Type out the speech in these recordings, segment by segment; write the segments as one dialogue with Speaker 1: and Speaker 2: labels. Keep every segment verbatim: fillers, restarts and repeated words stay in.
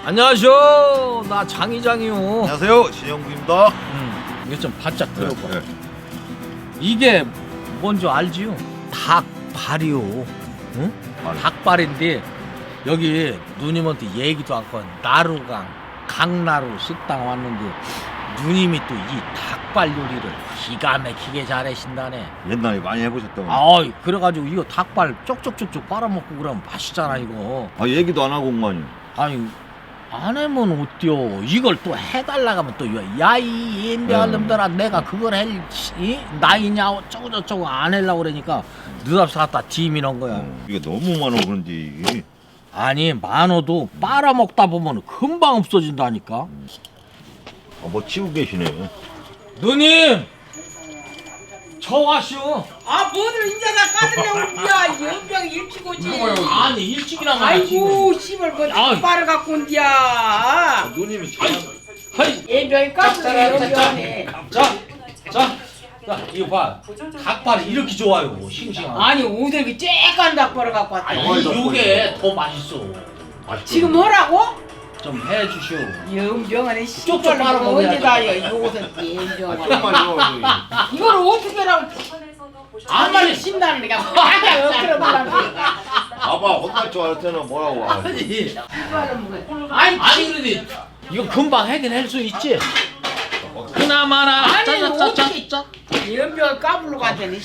Speaker 1: 안녕하세요. 나 장이장이요.
Speaker 2: 안녕하세요, 신영구입니다.
Speaker 1: 음, 이거 좀 바짝 들어봐.
Speaker 2: 네, 네.
Speaker 1: 이게 뭔지 알지요? 닭발이요. 응?
Speaker 2: 알.
Speaker 1: 닭발인데 여기 누님한테 얘기도 않고 나루강 강나루 식당 왔는데 누님이 또 이 닭발 요리를 기가 막히게 잘하신다네.
Speaker 2: 옛날에 많이 해보셨던 거.
Speaker 1: 아, 그래가지고 이거 닭발 쪽쪽쪽쪽 빨아먹고 그러면 맛있잖아 이거.
Speaker 2: 아, 얘기도 안 하고 온거아니.
Speaker 1: 아니 안 하면 어때요? 이걸 또 해달라고 하면 또 야이 인디언 놈들아 내가 그걸 할 이? 나이냐 어쩌고 저쩌고 안 하려고 그러니까 느닷없이 갖다 뒤미는 거야.
Speaker 2: 어, 이게 너무 많아 그런지.
Speaker 1: 아니 많어도 빨아먹다 보면 금방 없어진다니까.
Speaker 2: 아, 뭐 치고 계시네.
Speaker 1: 누님 저 와시오.
Speaker 3: 아, 뭐들 인자 다 까들려고 온디야. 연병 일찍 오지.
Speaker 1: 아니 일찍이나 가야지.
Speaker 3: 아이고, 씨발, 뭐,
Speaker 1: 아이.
Speaker 3: 빨을 갖고 온디야.
Speaker 2: 누님이
Speaker 1: 하이.
Speaker 3: 연병이 까들려, 연병에.
Speaker 1: 자, 자, 자, 이거 봐. 닭발이 이렇게 좋아요. 싱싱하고.
Speaker 3: 아니, 오늘 그 쬐깐 닭발을 갖고 왔다.
Speaker 1: 아니, 이게 더 맛있어.
Speaker 3: 지금 뭐라고?
Speaker 1: 좀 해주시오.
Speaker 3: 연병안에
Speaker 1: 쪽쪽
Speaker 3: 씨발,
Speaker 1: 빨아먹어야
Speaker 3: 언제 다요, 이것은 연병안에.
Speaker 2: 정말요.
Speaker 3: 이걸 어떻게 하라고. 아무리 신나는 내가 맞아, 엎드려 보라고.
Speaker 2: 아빠 혼날 줄 알았잖아. 뭐라고. 아,
Speaker 1: 아니,
Speaker 3: 아니,
Speaker 1: 아니 그래도 이거 금방 해결할 수 있지. 그나마나
Speaker 3: 아니,
Speaker 1: 짜자짜짜짜.
Speaker 3: 연병을 까불러 갔더니.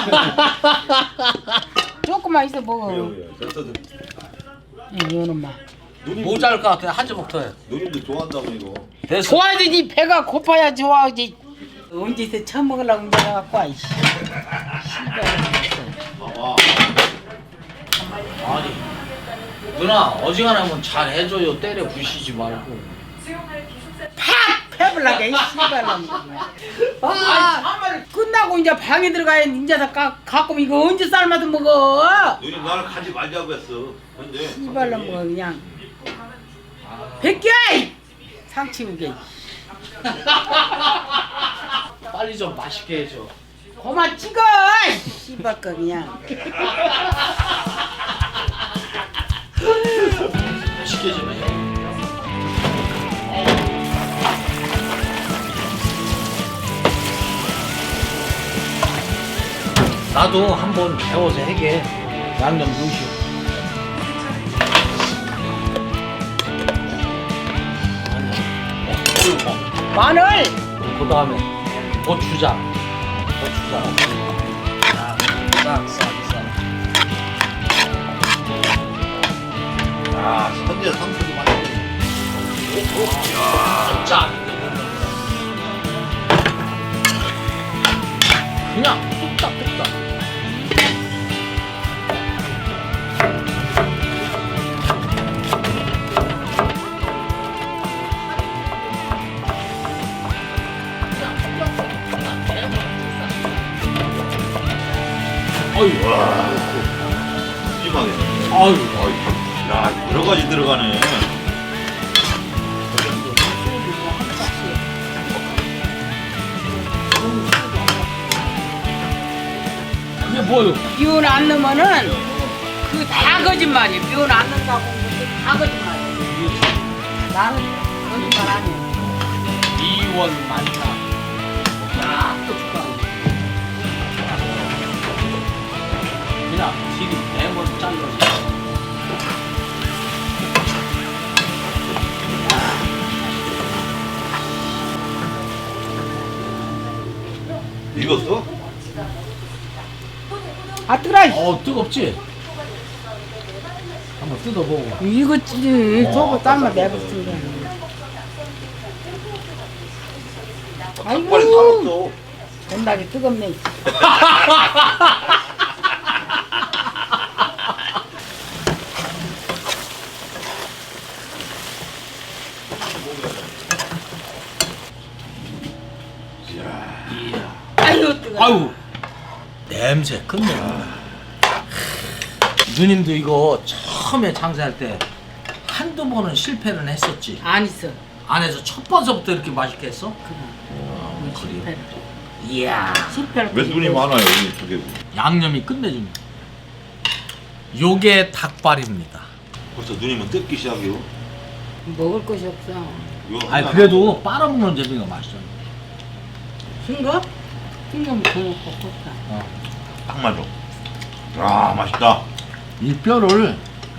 Speaker 3: 조금만 있어 먹어. 이놈아.
Speaker 1: 모자랄 것 같아. 한 조각 더 해.
Speaker 2: 누님도 좋아한다고 이거.
Speaker 1: 됐어.
Speaker 3: 좋아야지, 배가 고파야 좋아하지. 언제서 처음 먹으려고 내려갖고 와, 이씨.
Speaker 2: 봐봐.
Speaker 1: 아니 누나 어지간하면 잘 해줘요. 때려 부시지 말고.
Speaker 3: 팍! 패블라게, 이 씨발놈. 아, 끝나고 이제 방에 들어가야 이제 다 가, 갖고 이거 언제 삶아서 먹어?
Speaker 2: 누님 나를 가지 말자고 했어. 근데
Speaker 3: 씨발놈 뭐 그냥. 백개! 상치우게.
Speaker 1: 빨리 좀 맛있게 해줘.
Speaker 3: 그만 찍어! 씨발 거 그냥.
Speaker 1: 맛있게 좀 해. 나도 한번 배워서 해게. 양념 넣으시오.
Speaker 3: 마늘!
Speaker 1: 그 다음에 고추장. 고추장. 싹, 싹, 싹.
Speaker 2: 아, 선제 상수도 많이.
Speaker 1: 짠. 그냥 뚝딱 뚝딱. 어이,
Speaker 2: 와, 심하게.
Speaker 1: 아유,
Speaker 2: 어이, 야, 여러 가지 들어가네.
Speaker 1: 이게 뭐요?
Speaker 3: 미운 안 넣으면은 그 다 거짓말이야. 미운 안 넣는다고 그다 거짓말이야. 나는 거짓말 아니야.
Speaker 1: 이원 만사. 야, 또 좋다. 그냥 길이 네번 잘라서.
Speaker 2: 익었어?
Speaker 3: 아, 뜨라!
Speaker 1: 어, 뜨겁지? 한번 뜯어보고.
Speaker 3: 이거지. 저거 삶아 내버렸습니다.
Speaker 2: 빨리
Speaker 3: 아이고,
Speaker 2: 살았어.
Speaker 3: 겁나게 뜨겁네. 아유, 뜨거워.
Speaker 1: 아유, 냄새 끝내준다. 누님도 이거 처음에 장사할 때 한두 번은 실패는 했었지.
Speaker 3: 안 있어.
Speaker 1: 안에서 첫 번서부터 이렇게 맛있게 했어?
Speaker 3: 그거. 실패를.
Speaker 1: 이야,
Speaker 3: 실패를.
Speaker 2: 왜 눈이 많아요 여기 두 개.
Speaker 1: 양념이 끝내줍니다. 요게 닭발입니다.
Speaker 2: 벌써 누님은 뜯기 시작이요.
Speaker 3: 먹을 것이 없어.
Speaker 2: 이거
Speaker 1: 아니
Speaker 2: 하나
Speaker 1: 그래도 빨아먹는 재미가 맛있어.
Speaker 3: 싱거? 싱거면 더 먹고 컸다.
Speaker 1: 어.
Speaker 2: 딱 맞아. 아 맛있다.
Speaker 1: 이 뼈를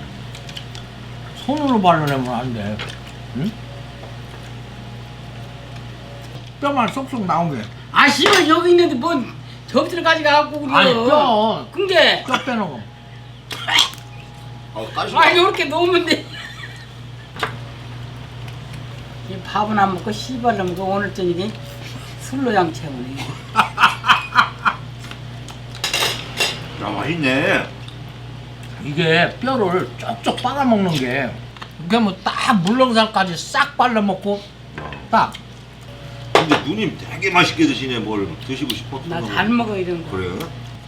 Speaker 1: 손으로 발라내면 안 돼. 응? 뼈만 쏙쏙 나오게.
Speaker 3: 아 씨발 여기 있는데 뭔 접시를 가져가갖고 그래.
Speaker 1: 아니 뼈,
Speaker 3: 근데
Speaker 1: 뼈 빼놓고.
Speaker 2: 아 까시.
Speaker 3: 아 이렇게 놓으면 돼. 이 밥은 안 먹고 씨발로 먹고 오늘 저녁에 술로 양채우네.
Speaker 2: 야 맛있네.
Speaker 1: 이게 뼈를 쪽쪽 빨아먹는 게 이게 뭐 딱 물렁살까지 싹 빨아먹고 딱.
Speaker 2: 근데 누님 되게 맛있게 드시네. 뭘 드시고 싶었어.
Speaker 3: 나 잘 먹어 이런 거.
Speaker 2: 그래요?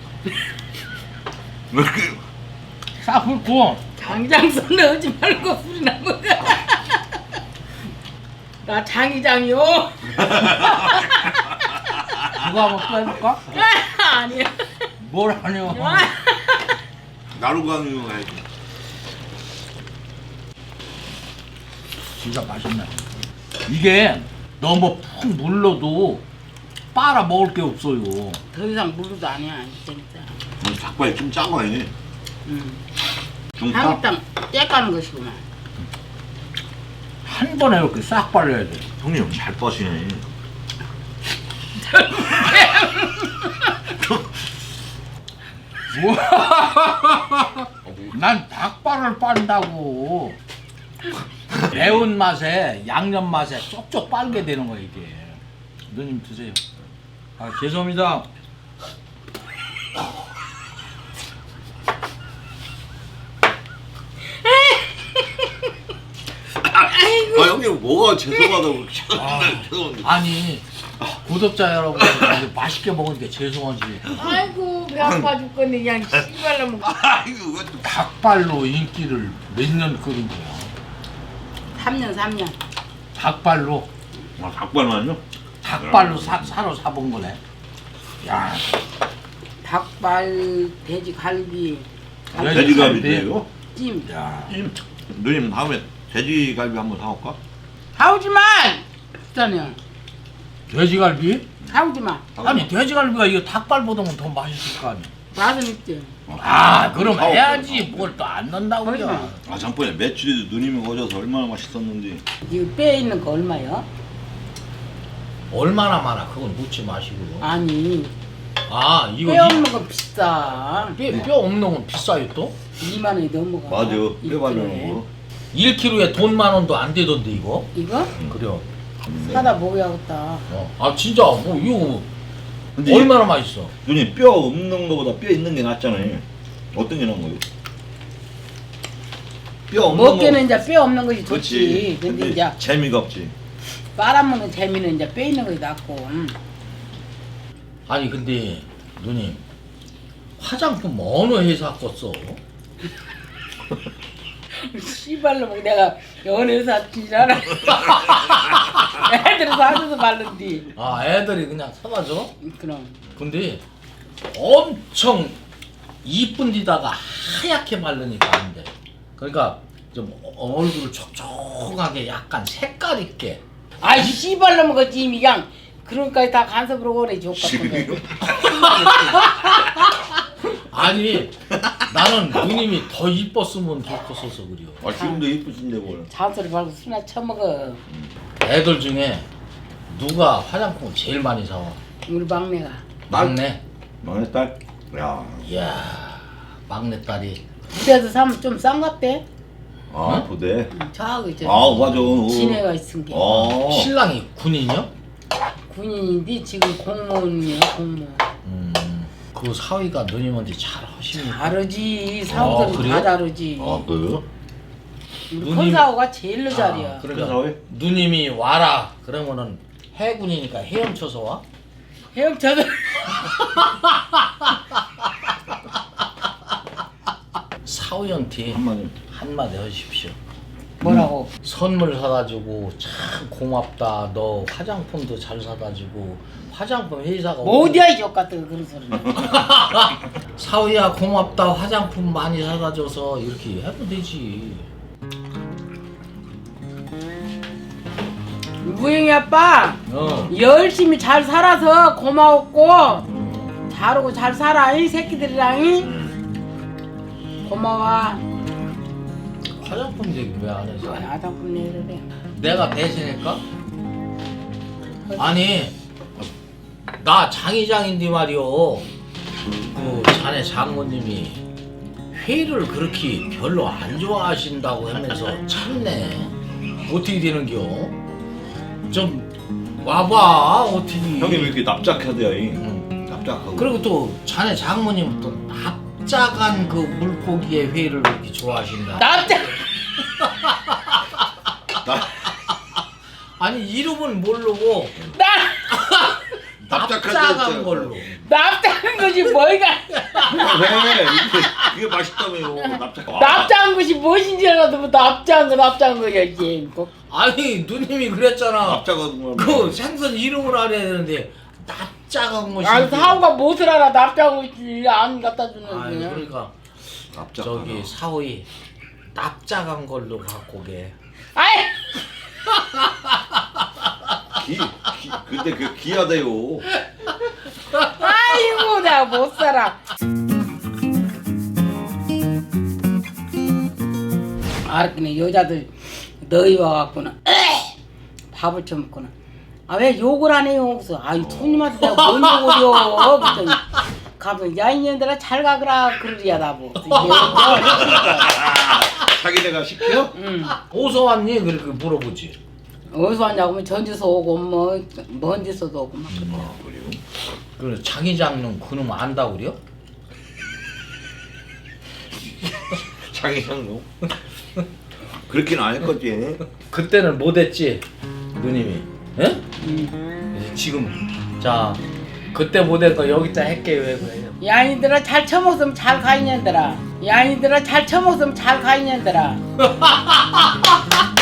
Speaker 2: 왜 이렇게
Speaker 1: 싹 훑고
Speaker 3: 장장선 넣지 말고 술이나 먹어. 나 장이장이요.
Speaker 1: 누가 한번 빼볼까?
Speaker 3: 아니야.
Speaker 1: 뭘 하냐.
Speaker 2: 나루강유 해야지.
Speaker 1: 진짜 맛있네. 이게 너무 푹 물러도 빨아 먹을 게 없어요.
Speaker 3: 더 이상 물도 아니야 진짜.
Speaker 2: 음, 닭발이 좀 작아 얘.
Speaker 3: 응.
Speaker 2: 중파?
Speaker 3: 한국당 떼까는 것이구만.
Speaker 1: 한 번에 이렇게 싹 빨려야 돼.
Speaker 2: 형님 잘 빠시네.
Speaker 1: 난 닭발을 빤다고. 매운 맛에 양념 맛에 쪽쪽 빨게 되는 거야 이게. 누님 드세요. 아 죄송합니다.
Speaker 2: 아 형님 뭐가 죄송하다고.
Speaker 1: 아.
Speaker 2: 죄송한데.
Speaker 1: 아니 구독자 여러분 맛있게 먹으니까 죄송하지.
Speaker 3: 아이고 배 아파 죽겠네 그냥 씨발로 먹어.
Speaker 2: 아 이거 왜 또.
Speaker 1: 닭발로 인기를 몇 년 끌은 거야.
Speaker 3: 삼 년 삼 년.
Speaker 1: 닭발로
Speaker 2: 아 닭발만요?
Speaker 1: 닭발로 사, 사러 사본 거네. 야
Speaker 3: 닭발, 돼지 갈비,
Speaker 1: 돼지
Speaker 2: 돼지갈비인데요?
Speaker 3: 찜.
Speaker 1: 야.
Speaker 2: 님, 누님 다음에 돼지갈비 한번 사올까?
Speaker 3: 사오지만 일단은
Speaker 1: 돼지갈비?
Speaker 3: 사오지마.
Speaker 1: 아니 돼지갈비가 이거 닭발보다는 더 맛있을 거 아니야.
Speaker 3: 맛은 있지.
Speaker 1: 아 그럼
Speaker 2: 사올게.
Speaker 1: 해야지 뭘 또 안 넣는다고 그래.
Speaker 3: 그러지
Speaker 2: 아 잠깐만요. 메추리도 누님이 어져서 얼마나 맛있었는지.
Speaker 3: 이거 뼈 있는 거 얼마야?
Speaker 1: 얼마나 많아 그건 묻지 마시고요.
Speaker 3: 아니
Speaker 1: 아 이거
Speaker 3: 뼈 없는 건 비싸.
Speaker 1: 이, 뼈, 뼈 없는 건 비싸요 또?
Speaker 3: 이만 원이 넘어가.
Speaker 2: 맞아.
Speaker 3: 일
Speaker 2: 뼈 발라놓은
Speaker 3: 킬로에.
Speaker 2: 거.
Speaker 1: 일 킬로에 돈 만 원도 안 되던데 이거?
Speaker 3: 이거?
Speaker 1: 그래요.
Speaker 3: 사다 먹어야겠다.
Speaker 1: 어. 아 진짜 뭐 이거
Speaker 2: 근데
Speaker 1: 얼마나 맛있어?
Speaker 2: 누님 뼈 없는 거보다 뼈 있는 게 낫잖아요. 어떤 게 나은 거예요? 뼈 없는
Speaker 3: 먹기는
Speaker 2: 거.
Speaker 3: 이제 뼈 없는 것이
Speaker 2: 그렇지.
Speaker 3: 좋지. 근데
Speaker 2: 근데
Speaker 3: 이제
Speaker 2: 재미가 없지.
Speaker 3: 빨아먹는 재미는 이제 뼈 있는 것이 낫고. 음.
Speaker 1: 아니 근데 누님 화장품 어느 회사 거 써?
Speaker 3: 씨발로 뭐 내가 연애사 지잖아. 애들이 사줘서 바른디.
Speaker 1: 아 애들이 그냥 사다 줘?
Speaker 3: 그럼.
Speaker 1: 근데 엄청 이쁜 데다가 하얗게 바르니까 안 돼. 그러니까 좀 얼굴을 촉촉하게 약간 색깔 있게.
Speaker 3: 아이 씨발로 먹었지 이미 그냥 그런까지 다 간섭으로 오래 줬거든.
Speaker 1: 아니 나는 누님이 더 이뻤으면 좋겠어서 그래요.
Speaker 2: 아 지금도 이쁘신데 뭘.
Speaker 3: 잔소리 말고 술이나 처먹어.
Speaker 1: 애들 중에 누가 화장품을 제일 많이 사와?
Speaker 3: 우리 막내가.
Speaker 1: 막내.
Speaker 2: 막내 딸. 야.
Speaker 1: 이야 막내딸이.
Speaker 3: 부대에서 사면 좀 싼 것 같대.
Speaker 2: 아
Speaker 1: 응?
Speaker 2: 부대.
Speaker 3: 저하고 이제
Speaker 2: 아 맞아.
Speaker 3: 지네가 있은 게
Speaker 2: 어.
Speaker 1: 신랑이 군인이요?
Speaker 3: 군인인데 지금 공무원이야 공무원.
Speaker 1: 음, 그 사위가 누님한테 잘 하십니까?
Speaker 3: 다르지
Speaker 1: 아,
Speaker 3: 사업들은
Speaker 1: 그래요?
Speaker 3: 다 다르지.
Speaker 2: 아 그래요?
Speaker 3: 우리
Speaker 1: 누님-
Speaker 3: 큰 사오가 제일로 잘이야.
Speaker 1: 아,
Speaker 2: 큰
Speaker 1: 그러니까
Speaker 2: 사위?
Speaker 1: 누님이 와라 그러면은 해군이니까 헤엄쳐서 와?
Speaker 3: 헤엄쳐서
Speaker 1: 사위한테
Speaker 2: 한마디.
Speaker 1: 한마디 하십시오.
Speaker 3: 뭐라고?
Speaker 1: 선물 사다 주고 참 고맙다. 너 화장품도 잘 사다 주고 화장품 회사가
Speaker 3: 뭐 어디야 이 족같은 그런 소리는.
Speaker 1: 사위야 고맙다. 화장품 많이 사다 줘서 이렇게 하면 되지.
Speaker 3: 우영이 아빠
Speaker 1: 어.
Speaker 3: 열심히 잘 살아서 고마웠고 잘하고 잘 살아 이 새끼들이랑 이. 고마워.
Speaker 1: 화장품 얘기 왜 안 해서?
Speaker 3: 아담분 얘기를 해.
Speaker 1: 내가 배신할까? 아니 나 장의장인데 말이오. 그 자네 장모님이 회를 그렇게 별로 안 좋아하신다고 하면서 참네. 어떻게 되는겨? 좀 와봐 어떻게.
Speaker 2: 형님 왜 이렇게 납작하대요?
Speaker 1: 응.
Speaker 2: 납작하고.
Speaker 1: 그리고 또 자네 장모님은 또 납작한 그 물고기의 회를 그렇게 좋아하신다.
Speaker 3: 납작.
Speaker 2: 나
Speaker 1: 아니 이름은 모르고
Speaker 3: 나
Speaker 2: 납작한
Speaker 1: 납작한 걸로.
Speaker 3: 납작한 것이 뭐가?
Speaker 2: 왜? 이게, 이게 맛있다며요. 납작.
Speaker 3: 납작한 것이 무엇인지 알아도 뭐 납작한 거 납작한 거야지. 뭐.
Speaker 1: 아니 누님이 그랬잖아.
Speaker 2: 납작한 거.
Speaker 1: 그 생선 이름을 알아야 되는데 납작한 것이.
Speaker 3: 아 사오가 무엇을 알아 납작한 것이 안 갖다 주는
Speaker 1: 아니
Speaker 3: 거야.
Speaker 1: 그러니까
Speaker 2: 납작.
Speaker 1: 저기 사오이 납작한 걸로 갖고 게.
Speaker 3: 아이
Speaker 2: 기, 기, 근데 그 기하대요.
Speaker 3: 아이고 내가 못 살아. 알았더니 여자들 너희 와갖고는 밥을 처먹고는 아 왜 욕을 안 해요? 그래서 아이 손님한테 내가 뭔 욕을 해요? 그랬더니 가면 야 이년들아 잘 가거라 그러리야 나보.
Speaker 2: 자기네가 시켜?
Speaker 3: 응.
Speaker 1: 어디서 왔니? 그렇게 물어보지.
Speaker 3: 어디서 왔냐고 하면 전주서 오고 뭐 먼 데서도 오고 막 그래.
Speaker 2: 아 그래요?
Speaker 1: 그래 장의장은 그놈 안다 그래요?
Speaker 2: 장이장로? 그렇게는 안 했겠지.
Speaker 1: 그때는 못했지 누님이. 예?
Speaker 3: 응.
Speaker 1: 지금 자 그때 못한 거 여기다 할게 왜 그래요?
Speaker 3: 야 이들아 잘 처먹으면 잘 가 이년들아. 야 이들아 잘 처먹으면 잘 가 이년들아.